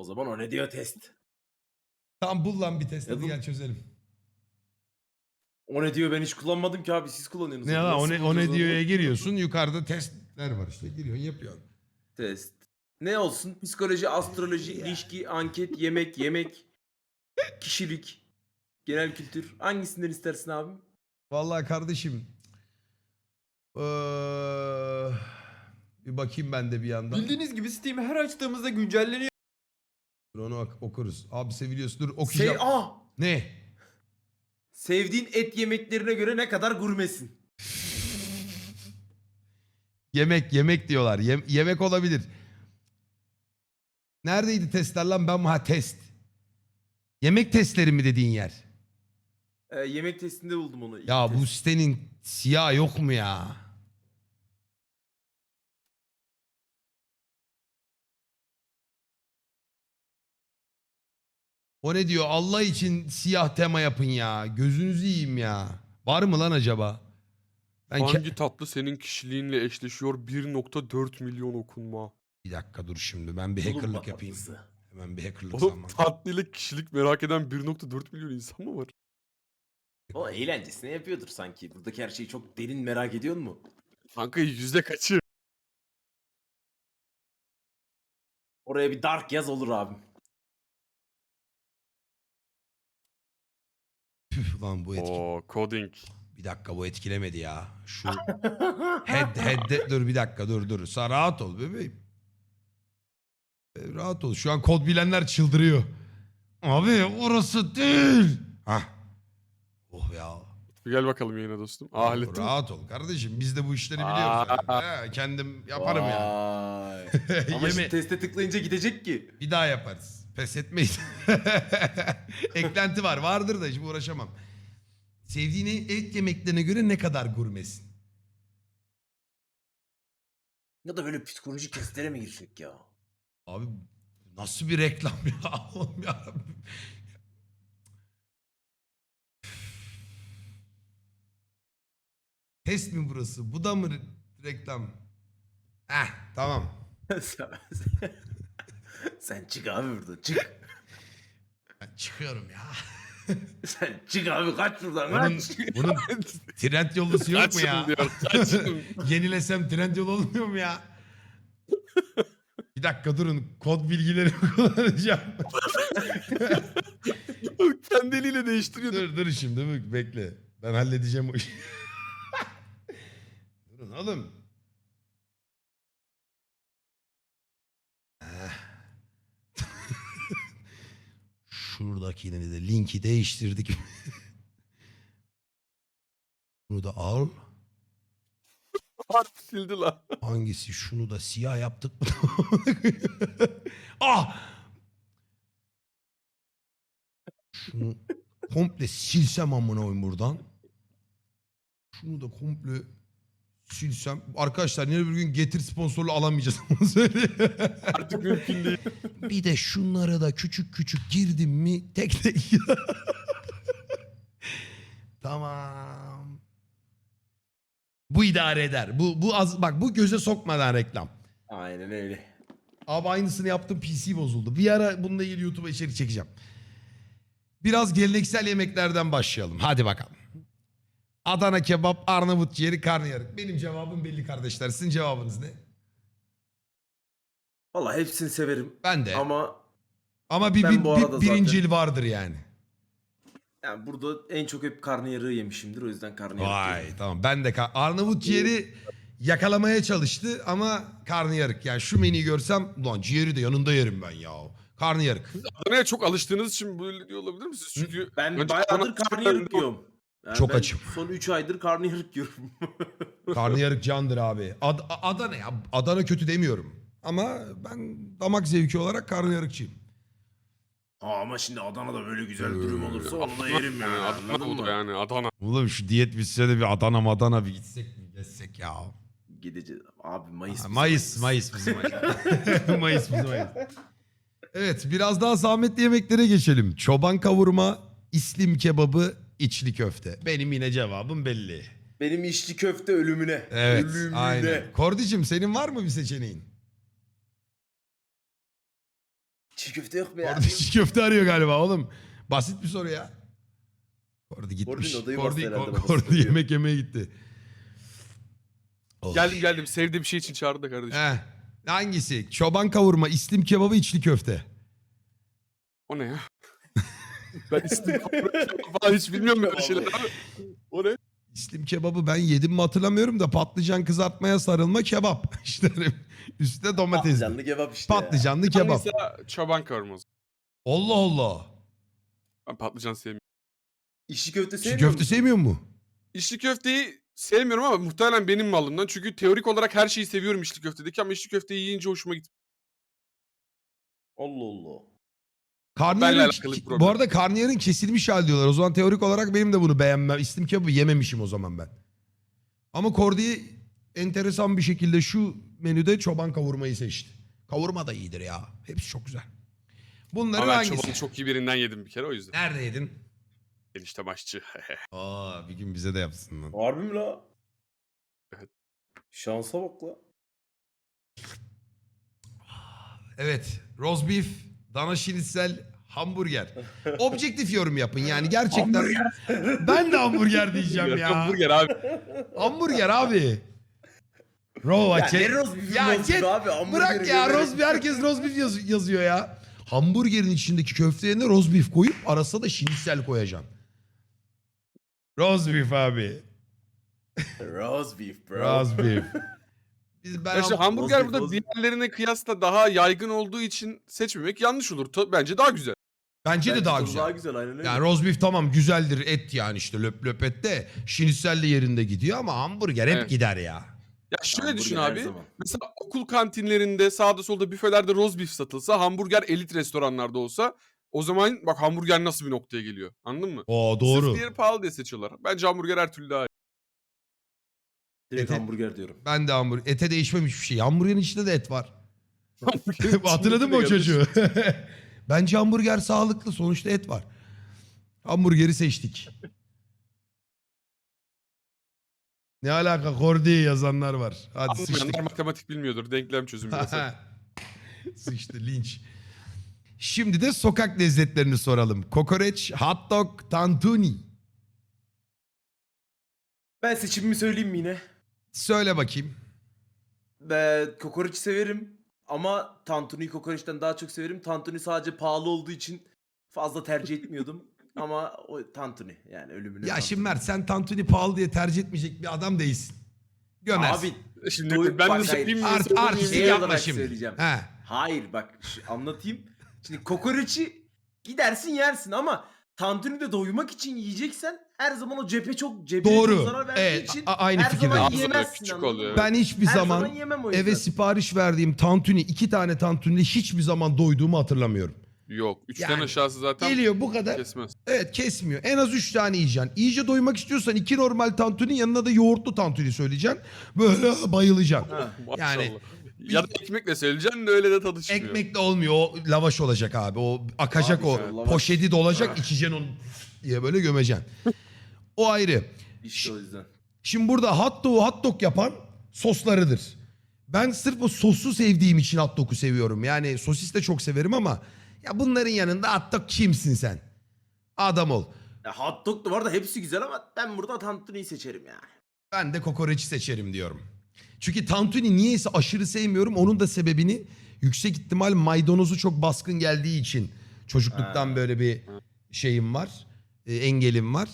O zaman o ne diyor test. Tam bul lan bir test hadi Yazın. gel çözelim. O ne diyor ben hiç kullanmadım ki abi siz kullanıyorsunuz. Ne lan Nasıl o ne bulacağız onu? diyor'ya giriyorsun yukarıda testler var işte giriyorsun yapıyorsun. Test. Ne olsun? Psikoloji, astroloji, ilişki, anket, yemek, kişilik, genel kültür. Hangisinden istersin abi? Vallahi kardeşim. Bir bakayım ben de bir yandan. Bildiğiniz gibi Steam her açtığımızda güncelleniyor. Dur onu okuruz. Abi seviliyorsun. Dur okuyacağım. Ne? Sevdiğin et yemeklerine göre ne kadar gurmesin? Yemek diyorlar. Yemek olabilir. Neredeydi testler lan ben mi? Test. Yemek testleri mi dediğin yer? Yemek testinde buldum onu. Ya İlk bu test. sitenin siyah yok mu ya? O ne diyor? Allah için siyah tema yapın ya. Gözünüzü yiyeyim ya. Var mı lan acaba? Hangi tatlı senin kişiliğinle eşleşiyor? 1.4 milyon okunma. Bir dakika dur şimdi ben bir Tulumba hackerlık yapayım. tatlısı. Hemen bir hackerlık Oğlum zamanı. tatlıyla kişilik merak eden 1.4 milyon insan mı var? O eğlencesine yapıyordur sanki. Buradaki her şeyi çok derin merak ediyor mu? Kanka yüzde kaçı? Oraya bir dark yaz olur abim. Püf lan bu etki. Oo coding. Bir dakika bu etkilemedi ya. Şu dur bir dakika dur. Sen rahat ol bebeğim. Rahat ol. Şu an kod bilenler çıldırıyor. Abi orası değil. Hah. Oh ya. Gel bakalım yayına dostum. Hallettim. Rahat ol kardeşim. Biz de bu işleri biliyoruz. Yani. Kendim yaparım ya. Vay. Ama şimdi teste tıklayınca gidecek ki. Bir daha yaparız. Pes etmeyiz. Eklenti var. Vardır da şimdi uğraşamam. Sevdiğin et yemeklerine göre ne kadar gurmesin? Ya da böyle psikolojik testlere mi girsek ya? Abi nasıl bir reklam ya? Allah'ım ya. Test mi burası? Bu da mı reklam? Tamam. Sen çık abi buradan çık. Ben çıkıyorum ya. Sen çık abi kaç buradan Bunun kaç. trend yollusu yok mu Kaçın ya? diyor. Kaçın. Yenilesem trend yol olmuyor mu ya? Bir dakika durun. Kod bilgilerimi kullanacağım. Kendi eliyle değiştiriyordu. dur şimdi bekle. Ben halledeceğim o işi. Durun oğlum. Şuradakini de linki değiştirdik. Bunu da al. Harbi sildi lan. Hangisi? Şunu da siyah yaptık mı? Şunu komple silsem amına koyayım buradan. Şunu da komple silsem. Arkadaşlar yine bir gün Getir sponsorluğu alamayacağız. Onu söyleyeyim. Artık mümkün değil. Bir de şunlara da küçük girdim mi tek. Tamam. Bu idare eder. Bu az bak bu göze sokmadan reklam. Aynen öyle. Abi aynısını yaptım PC bozuldu. Bir ara bununla ilgili YouTube'a içerik çekeceğim. Biraz geleneksel yemeklerden başlayalım. Hadi bakalım. Adana kebap, Arnavut ciğeri, karnıyarık. Benim cevabım belli kardeşler. Sizin cevabınız ne? Vallahi hepsini severim. Ben de. Ama bir bu arada birincil vardır yani. yani burada en çok hep karnıyarığı yemişimdir. O yüzden karnıyarık Vay diyorum. tamam ben de Arnavut ciğeri yakalamaya çalıştı ama karnıyarık. Yani şu menüyü görsem ulan ciğeri de yanında yerim ben ya. Karnıyarık. Adana'ya çok alıştığınız için böyle diyor olabilir misiniz? Çünkü Ben önce bayağıdır Adana- karnıyarık yiyorum. Yani Çok ben açım. Son 3 aydır karnıyarık yiyorum. Karnıyarık candır abi. Adana ya. Adana kötü demiyorum. Ama ben damak zevki olarak karnıyarıkçıyım. Ama şimdi Adana'da böyle güzel dürüm olursa onu da yerim yani. Adana Anladın oldu mı? yani Adana. Oğlum şu diyet bitse de bir Adana bir gitsek mi? Gezsek ya. Gideceğiz. Abi Mayıs. Mayıs bizim ay. Mayıs bizim ay. Evet biraz daha zahmetli yemeklere geçelim. Çoban kavurma, İslim kebabı, içli köfte. Benim yine cevabım belli. Benim içli köfte ölümüne. Evet Ölümüne. aynen. Kordicim senin var mı bir seçeneğin? Çiğ köfte yok mu ya? Kordi çiğ köfte arıyor galiba oğlum. Basit bir soru ya. Kordi gitmiş. Kordi'nin odayı bastı herhalde babası. Kordi yemek yemeye gitti. Oh. Geldim. Sevdiğim bir şey için çağırdı da kardeşim. Heh. Hangisi? Çoban kavurma, islim kebabı, içli köfte. O ne ya? Ben istim falan hiç bilmiyorum böyle şeyler abi. O ne? İslim kebabı ben yedim mi hatırlamıyorum da patlıcan kızartmaya sarılma kebap. İşte üstte domates. Patlıcanlı kebap işte. Patlıcanlı Ben kebap. mesela çoban kavurması. Allah Allah. Ben patlıcan sevmiyorum. İşçi köfte Çiğ sevmiyor köfte musun? sevmiyor mu? İçli köfteyi sevmiyorum ama muhtemelen benim malımdan. Çünkü teorik olarak her şeyi seviyorum içli köftedeki ama içli köfteyi yiyince hoşuma gitti. Allah Allah. Benle alakalı bir Bu problem. arada karnıyarın kesilmiş hali diyorlar. O zaman teorik olarak benim de bunu beğenmem. İslim kebabı yememişim o zaman ben. Ama Kordi enteresan bir şekilde şu menüde çoban kavurmayı seçti. Kavurma da iyidir ya. Hepsi çok güzel. Bunların Ama ben hangisi? çobanı çok iyi birinden yedim bir kere o yüzden. Nerede yedin? Enişte başçı. Aa, bir gün bize de yapsın lan. Harbi mi la? Evet. Şansa bak la. Evet. Roast beef, dana şinitsel, hamburger. Objektif yorum yapın yani gerçekten. Ben de hamburger diyeceğim ya. Hamburger abi. Hamburger abi. Ya ne roast beef'in Ya roast beef git, abi? Hamburgeri bırak ya gömerek- roast beef, herkes roast beef yazıyor ya. Hamburgerin içindeki köftelerine roast beef koyup arasına da şinitsel koyacaksın. Roast beef abi. Roast beef bro. Roast beef. Ben İşte hamburger Roast burada beef, diğerlerine kıyasla daha yaygın olduğu için seçmemek yanlış olur. Bence daha güzel. bence de Bence daha tadı güzel. Daha güzel aynen öyle. Yani roast beef tamam güzeldir, et yani işte löp löp et de şinitsel de yerinde gidiyor ama hamburger hep Evet. gider ya. Ya şöyle Hamburger düşün her abi. zaman. Mesela okul kantinlerinde sağda solda büfelerde roast beef satılsa, hamburger elit restoranlarda olsa o zaman bak hamburger nasıl bir noktaya geliyor. Anladın mı? Oo doğru. Sırf diğeri pahalı diye seçiyorlar. Bence hamburger her türlü daha iyi. Direkt Ete- hamburger diyorum. Ben de hamburger. Ete değişmemiş bir şey. Hamburgerin içinde de et var. Hamburgerin Hatırladın mı o içinde de çocuğu? Bence hamburger sağlıklı. Sonuçta et var. Hamburgeri seçtik. Ne alaka Kordi yazanlar var. Hadi sıçtık. Anlamayanlar matematik bilmiyordur. Denklem çözümü. mesela. Sıçtı linç. Şimdi de sokak lezzetlerini soralım. Kokoreç, hot dog, tantuni. Ben seçimimi söyleyeyim mi yine? Söyle bakayım. Ben kokoreç severim. Ama tantuniyi kokoreçten daha çok severim. Tantuni sadece pahalı olduğu için fazla tercih etmiyordum. Ama o tantuni yani ölümüne Ya tantuni. şimdi Mert sen tantuni pahalı diye tercih etmeyecek bir adam değilsin. Gömersin. Abi Şimdi Doyup ben bak, de söyleyeyim mi? hayır. Söyleyeyim mi? Artistik Şey yapma olarak şimdi. söyleyeceğim. He. Hayır bak anlatayım. Şimdi kokoreçi gidersin yersin ama tantuni de doymak için yiyeceksen her zaman o cebe çok Doğru. zarar verdiği Evet, için aynı her fikirdeyim. zaman Ağzı böyle yiyemezsin. küçük anladın oluyor, mı? evet. Ben hiçbir Her zaman yemem o yüzden. eve sipariş verdiğim tantuni 2 tane tantuni hiçbir zaman doyduğumu hatırlamıyorum. Yok. Üçten Yani aşağısı zaten Geliyor bu kadar. kesmez. Evet kesmiyor. En az 3 tane yiyeceksin. İyice doymak istiyorsan 2 normal tantuni yanına da yoğurtlu tantuni söyleyeceksin. Böyle bayılacaksın. Ha. Maşallah. Yani Ya da ekmekle söyleyeceksin de öyle de tadı çıkmıyor. ekmekle olmuyor. O lavaş olacak abi. O akacak Abi o. işte lavaş. Poşeti dolacak içeceksin onu diye böyle gömeceksin. O ayrı. İşte o yüzden. Şimdi burada hot dog yapan soslarıdır. Ben sırf o sosu sevdiğim için hot dog'u seviyorum. Yani sosis de çok severim ama ya bunların yanında hot dog kimsin sen? Adam ol. Ya hot dog da var da hepsi güzel ama ben burada tantuniyi seçerim yani. Ben de kokoreçi seçerim diyorum. Çünkü tantuni niyeyse aşırı sevmiyorum. Onun da sebebini yüksek ihtimal maydanozu çok baskın geldiği için çocukluktan Ha. böyle bir şeyim var. Engelim var.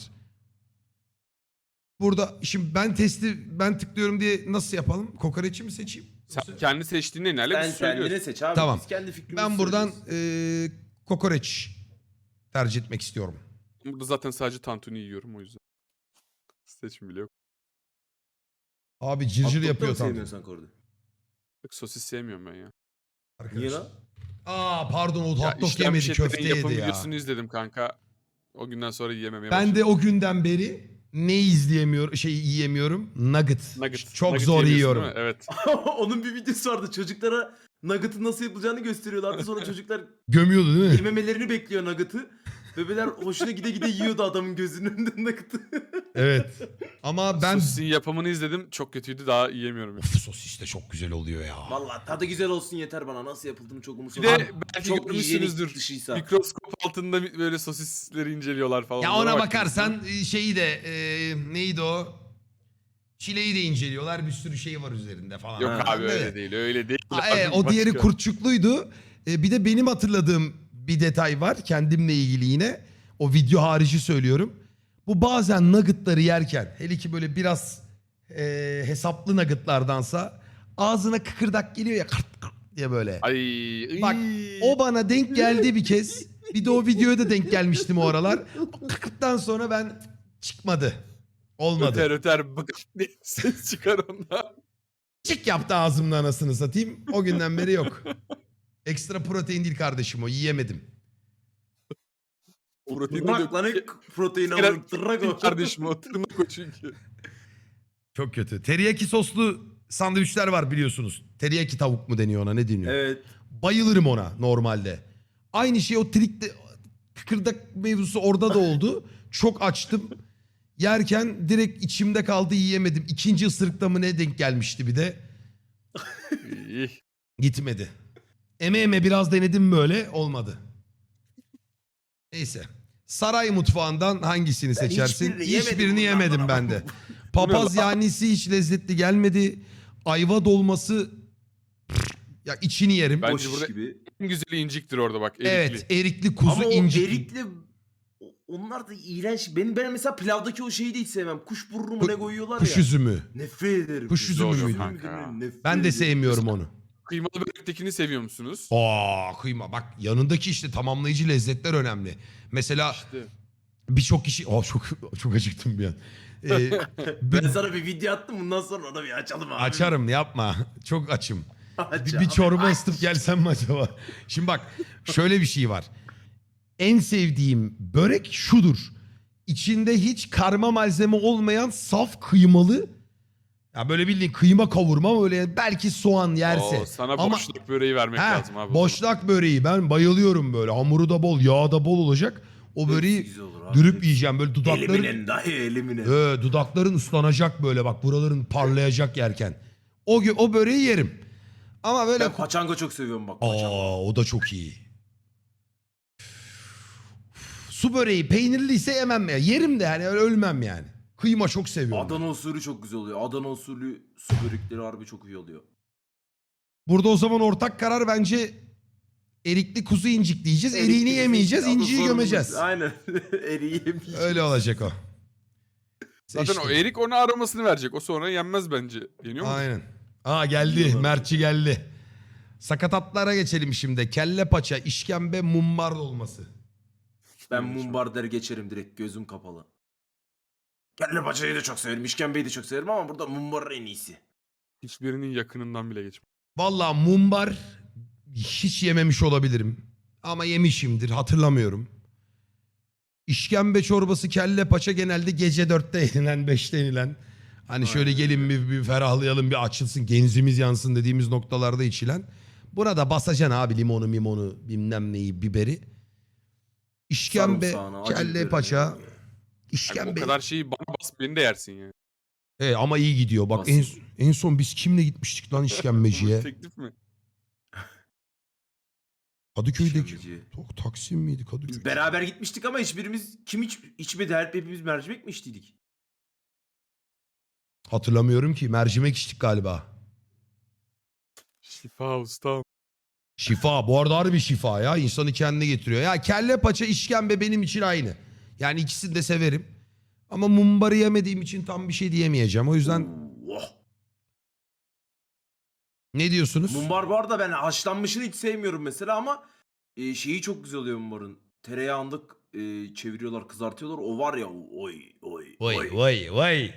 Burada şimdi ben tıklıyorum diye nasıl yapalım? Kokoreçi mi seçeyim? Sen kendi seçtiğin nelerle Sen biz söylüyoruz. kendine seç abi. Tamam. Biz kendi fikrimizi Ben buradan söylüyoruz. kokoreç tercih etmek istiyorum. Burada zaten sadece tantuni yiyorum o yüzden. Seçim bile yok. Abi Hot cırcır dog da yapıyor mı tam. sevmiyorsan Kordi? Bak, sosis sevmiyorum ben ya. Niye lan? Aa pardon o Ya hot dog işlenmiş yemedi etlerin köfte yapım yedi ya. videosunu izledim kanka. O günden sonra yiyememeye Ben başladım. de o günden beri ne yiyemiyorum? Nugget. Nugget. Çok Nugget zor yemiyorsun yiyorum. değil mi? Evet. Onun bir videosu vardı. Çocuklara nugget'ın nasıl yapılacağını gösteriyorlardı. Sonra çocuklar Gömüyordu değil mi? yememelerini bekliyor nugget'ı. Bebeler hoşuna gide gide yiyordu adamın gözünün önünde nakıtı. Evet. Ama ben... Sosisin yapımını izledim. Çok kötüydü. Daha yiyemiyorum. Of, sosis de çok güzel oluyor ya. Valla tadı güzel olsun yeter bana. Nasıl yapıldığını çok Bir umursamıyorum. de belki Çok görmüşsünüzdür. hijyenik dışıysa. Mikroskop altında böyle sosisleri inceliyorlar falan. Ya Onlara ona baktınız mı? bakarsan şeyi de neydi o? Çileği de inceliyorlar. Bir sürü şey var üzerinde falan. Yok Ha, abi Ben de- öyle değil. Öyle değil. Aa, Abi, o diğeri başka. kurtçukluydu. Bir de benim hatırladığım bir detay var. Kendimle ilgili yine. O video harici söylüyorum. Bu bazen nuggetları yerken hele ki böyle biraz hesaplı nuggetlardansa ağzına kıkırdak geliyor ya kırt kırt diye böyle. Ay. Bak o bana denk geldi bir kez. Bir de o videoya da denk gelmiştim o aralar. O kıkırttan sonra ben çıkmadı. Olmadı. Öter öter bık diye ses çıkar ondan. Çık yaptı ağzımda anasını satayım. O günden beri yok. Ekstra protein değil kardeşim o. Yiyemedim. Protein Tırnak lan protein Kerem- alır. Tırnak o. Kardeşim o tırnak o çünkü. Çok kötü. Teriyaki soslu sandviçler var biliyorsunuz. Teriyaki tavuk mu deniyor ona, ne deniyor? Evet. Bayılırım ona normalde. Aynı şey o trikte kıkırdak mevzusu orada da oldu. Çok açtım. Yerken direkt içimde kaldı, yiyemedim. İkinci ısırıkta mı ne denk gelmişti bir de. İyi. Gitmedi. Eme biraz denedim böyle, olmadı. Neyse. Saray mutfağından hangisini seçersin? hiçbirini yemedim yemedim bundan ben ama. de. Papaz yanisi hiç lezzetli gelmedi. Ayva dolması ya içini yerim. Bence Boş iş burada- gibi. En güzeli inciktir orada bak. Erikli. Evet, erikli kuzu Ama o incik. erikli onlar da iğrenç. Ben mesela pilavdaki o şeyi de hiç sevmem. Kuş burnu mu ne koyuyorlar Kuş ya. üzümü. Nefret ederim. Kuş üzümü oluyor müydü? kanka. Nefret Ben de ederim. sevmiyorum onu. Kıymalı börektekini seviyor musunuz? Kıyma. Bak yanındaki işte tamamlayıcı lezzetler önemli. Mesela İşte. birçok kişi... çok acıktım bir an. Ben sana bir video attım, bundan sonra onu bir açalım abi. Açarım, yapma. Çok açım. Aç Bir abi, çorba aç. ısıtıp gelsem mi acaba? Şimdi bak şöyle bir şey var. En sevdiğim börek şudur. İçinde hiç karma malzeme olmayan saf kıymalı. Ya böyle bildiğin kıyma kavurma, böyle belki soğan yerse. Oo, sana Ama- boşluk böreği vermek Ha, lazım abi. boşnak böreği ben bayılıyorum böyle. Hamuru da bol, yağı da bol olacak. O Hepsi böreği güzel olur abi. dürüp yiyeceğim böyle dudakların. Elimine dayı elimine. Dudakların ıslanacak böyle, bak buraların parlayacak yerken. O böreği yerim. Ama böyle Ben paçanga çok seviyorum bak. Paçanga. o da çok iyi. Su böreği peynirliyse yemem ya. Yerim de yani, öyle ölmem yani. Kıyma çok seviyorum. Adana usulü çok güzel oluyor. Adana usulü su börekleri harbi çok iyi oluyor. Burada o zaman ortak karar bence erikli kuzu incik diyeceğiz. Eriğini yemeyeceğiz, Adı inciyi sorumuz. gömeceğiz. Aynen. Eriği yemeyeceğiz. Öyle olacak o. Zaten o Seçtim. erik ona aromasını verecek. O sonra yenmez bence. Yeniyor mu? Aynen. Geldi. Mertçi geldi. Sakatatlara geçelim şimdi. Kelle paça, işkembe, mumbar dolması. Ben mumbar der geçerim direkt, gözüm kapalı. Kelle paçayı da çok severim, işkembeyi de çok severim ama burada mumbar en iyisi. Hiçbirinin yakınından bile geçmez. Vallahi mumbar hiç yememiş olabilirim. Ama yemişimdir, hatırlamıyorum. İşkembe çorbası, kelle paça genelde gece 4'te yenilen, 5'te yenilen. Hani şöyle gelin bir ferahlayalım, bir açılsın, genzimiz yansın dediğimiz noktalarda içilen. Burada basacaksın abi limonu mimonu bilmem neyi, biberi. İşkembe, Sarımsağını, acı kelle biberini. paça, Yani işkembe. o kadar şeyi bana bas beni de yersin ya. Ama iyi gidiyor. Bak Basın. en son biz kimle gitmiştik lan işkembeciye? Teklif mi? Kadıköy'deki. İşkembeci. Taksim miydi Kadıköy? Biz beraber gitmiştik ama hiçbirimiz içmedi, hepimiz mercimek mi içtiydik? Hatırlamıyorum ki. Mercimek içtik galiba. Şifa ustam. Şifa. Bu arada harbi şifa ya. İnsanı kendine getiriyor. Ya kelle paça, işkembe benim için aynı. Yani ikisini de severim. Ama mumbarı yemediğim için tam bir şey diyemeyeceğim. O yüzden Oh. ne diyorsunuz? Mumbar bu arada ben haşlanmışını hiç sevmiyorum mesela ama şeyi çok güzel oluyor mumbarın. Tereyağında çeviriyorlar, kızartıyorlar. O var ya, oy oy Vay vay vay.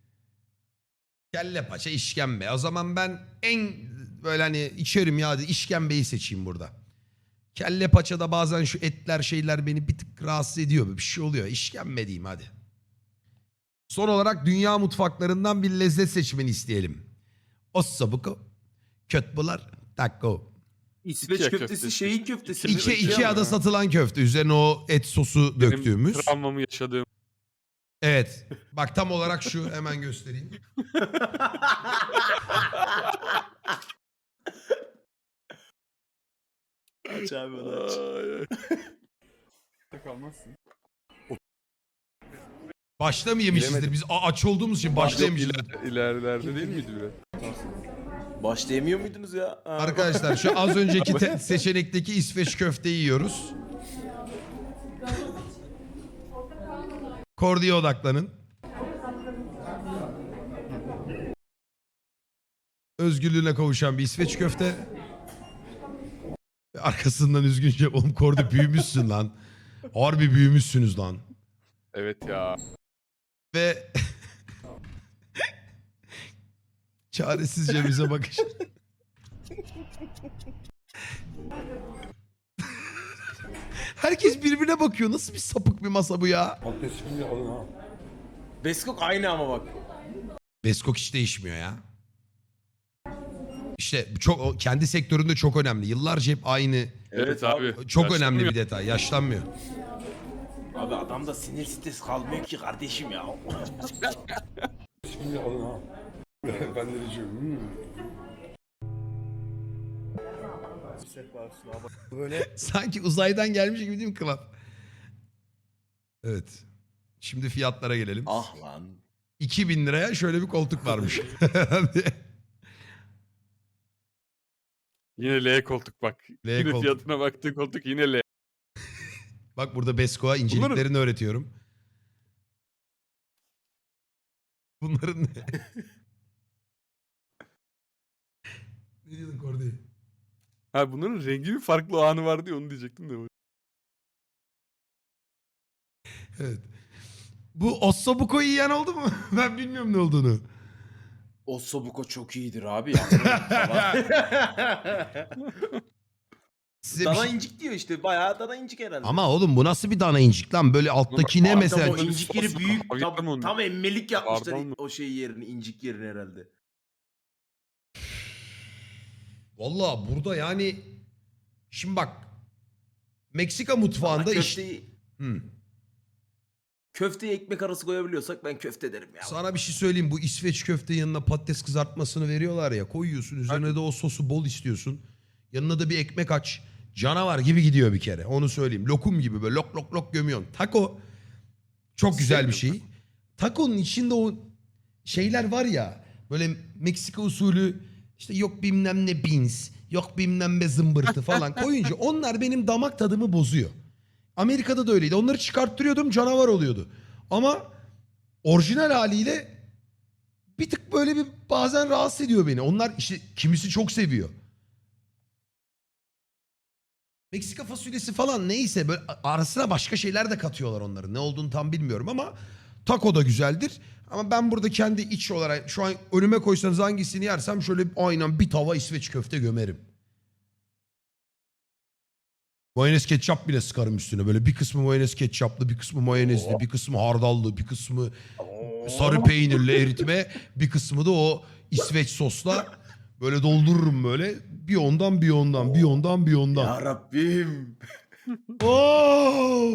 Kelle paça, işkembe. O zaman ben en böyle hani içerim ya, hadi işkembeyi seçeyim burada. Kelle paçada bazen şu etler şeyler beni bir tık rahatsız ediyor. Bir şey oluyor. İşkembe diyeyim hadi. Son olarak dünya mutfaklarından bir lezzet seçmeni isteyelim. Ossobuco, kötbular, taco. İsveç İkea köftesi köftesi. şeyin köftesi. Ikea'da satılan köfte. Üzerine o et sosu Benim döktüğümüz. travmamı yaşadığım. Evet. Bak tam olarak şu, hemen göstereyim. Aç abi onu aç. Kalmazsın. Başta mı yemişizdir? Biz aç olduğumuz için başta yemişizdir. İlerilerde değil miydi biraz? Başta yemiyor muydunuz ya? Ha. Arkadaşlar şu az önceki seçenekteki İsveç köfteyi yiyoruz. Kordi'ye odaklanın. Özgürlüğüne kavuşan bir İsveç köfte. Ve arkasından üzgünce oğlum Kordi büyümüşsün lan. Harbi büyümüşsünüz lan. Evet ya. Ve çaresizce bize bakış. Herkes birbirine bakıyor. Nasıl bir sapık bir masa bu ya? Beskok aynı ama bak. Beskok hiç değişmiyor ya. İşte çok kendi sektöründe çok önemli. Yıllarca hep aynı. Evet abi. Çok önemli Yaşlanmıyor. bir detay. Yaşlanmıyor. Abi adamda sinir stres kalmıyor ki kardeşim ya. Ben de diyeceğim. Böyle Sanki uzaydan gelmiş gibi değil mi Kıvan? Evet. Şimdi fiyatlara gelelim. Ah lan. 2000 liraya şöyle bir koltuk varmış. Yine L koltuk bak. L Yine koltuk. fiyatına baktığı koltuk yine L. Bak burada Beskok'a inceliklerini öğretiyorum. Bunların ne? Ne diyordun Kordi? Ha bunların rengi bir farklı o anı vardı ya onu diyecektim de. Evet. Bu ossobuco'yu yiyen oldu mu? Ben bilmiyorum ne olduğunu. Ossobuco çok iyidir abi. Size bir Dana şey... incik diyor işte. Bayağı dana incik herhalde. Ama oğlum bu nasıl bir dana incik lan? Böyle alttaki ne Abi mesela? tam o incik yeri büyük. Hafiften mi onu? Tam emmelik yapmışlar Pardon mu? o şey yerini, incik yerini herhalde. Valla burada yani... Şimdi bak. Meksika mutfağında iş... Köfteye ekmek arası koyabiliyorsak ben köfte derim ya. Sana bir şey söyleyeyim. Bu İsveç köfte yanına patates kızartmasını veriyorlar ya. Koyuyorsun. Üzerine de o sosu bol istiyorsun. Yanına da bir ekmek aç. Canavar gibi gidiyor bir kere. Onu söyleyeyim. Lokum gibi böyle lok lok lok gömüyorsun. Taco çok güzel bir şey. Taco'nun içinde o şeyler var ya. Böyle Meksika usulü işte yok bilmem ne beans. Yok bilmem ne zımbırtı falan koyunca onlar benim damak tadımı bozuyor. Amerika'da da öyleydi. Onları çıkarttırıyordum canavar oluyordu. Ama orijinal haliyle bir tık böyle bir bazen rahatsız ediyor beni. Onlar işte kimisi çok seviyor. Meksika fasulyesi falan neyse böyle arasına başka şeyler de katıyorlar onların. Ne olduğunu tam bilmiyorum ama taco da güzeldir. Ama ben burada kendi iç olarak şu an önüme koysanız hangisini yersem şöyle aynen bir tava İsveç köfte gömerim. Mayonez ketçap bile sıkarım üstüne. Böyle bir kısmı mayonez ketçaplı, bir kısmı mayonezli, bir kısmı hardallı, bir kısmı sarı peynirli eritme, bir kısmı da o İsveç sosla böyle doldururum böyle. Bir ondan, bir ondan, bir ondan, bir ondan. Ya Rabbim. Oo!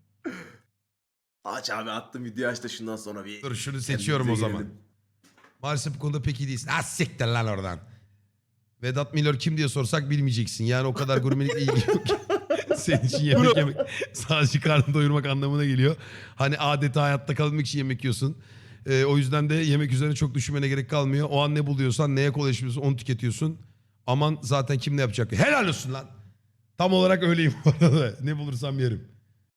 Aç abi attım video aç da şundan sonra bir... Dur şunu seçiyorum o kendimize zaman. gelelim. Maalesef bu konuda pek iyi değilsin. Ha siktir lan oradan. Vedat Milor kim diye sorsak bilmeyeceksin. Yani o kadar gurmelikle ilgili yok. Senin için yemek yemek sadece karnını doyurmak anlamına geliyor. Hani adeta hayatta kalmak için yemek yiyorsun. O yüzden de yemek üzerine çok düşünmene gerek kalmıyor. O an ne buluyorsan, neye kolaylaşıyorsun onu tüketiyorsun. Aman zaten kim ne yapacak? Helal olsun lan. Tam olarak öyleyim bu arada. Ne bulursam yerim.